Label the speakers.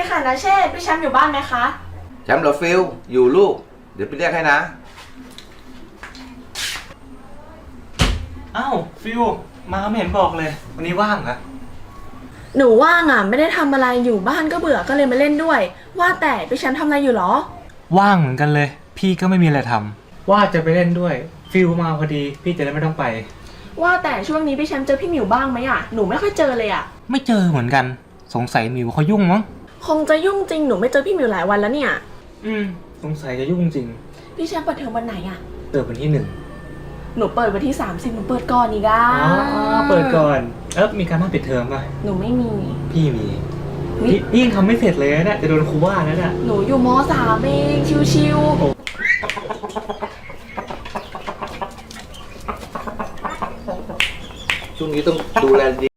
Speaker 1: ค่ะนะเชษพี่แชมป์อยู่บ้านไหมคะ
Speaker 2: แชมป์เหรอฟิลอยู่ลูกเดี๋ยวไปเรียกให้นะ
Speaker 3: อ้าวฟิวมาไม่เห็นบอกเลยวันนี้ว่างเหรอ
Speaker 1: หนูว่างอ่ะไม่ได้ทำอะไรอยู่บ้านก็เบื่อก็เลยมาเล่นด้วยว่าแต่พี่แชมป์ทำอะไรอยู่หรอ
Speaker 3: ว่างเหมือนกันเลยพี่ก็ไม่มีอะไรทำว่าจะไปเล่นด้วยฟิวมาพอดีพี่จะได้ไม่ต้องไป
Speaker 1: ว่าแต่ช่วงนี้พี่แชมป์เจอพี่หมิวบ้างไหมอ่ะหนูไม่ค่อยเจอเลยอ่ะ
Speaker 3: ไม่เจอเหมือนกันสงสัยมิวเขายุ่งมั้ง
Speaker 1: คงจะยุ่งจริงหนูไม่เจอพี่หมิวหลายวันแล้วเนี่ย
Speaker 3: สงสัยจะยุ่งจริง
Speaker 1: พี่แชมป์เปิดเทอมวันไหนอ่ะ
Speaker 3: เปิดวันที่1
Speaker 1: หนูเปิดวันที่30หนูเปิดก่อนอีกอ่ะ
Speaker 3: เปิดก่อนมีการบ้านปิดเทอมป่ะ
Speaker 1: หนูไม่มี
Speaker 3: พี่มีพี่ยังทำไม่เสร็จเลยนะจะโดนครูว่าแล้วน่ะ
Speaker 1: หนูอยู่ม.3เองชิว
Speaker 2: ช่วงนี้ต้องดูแลดี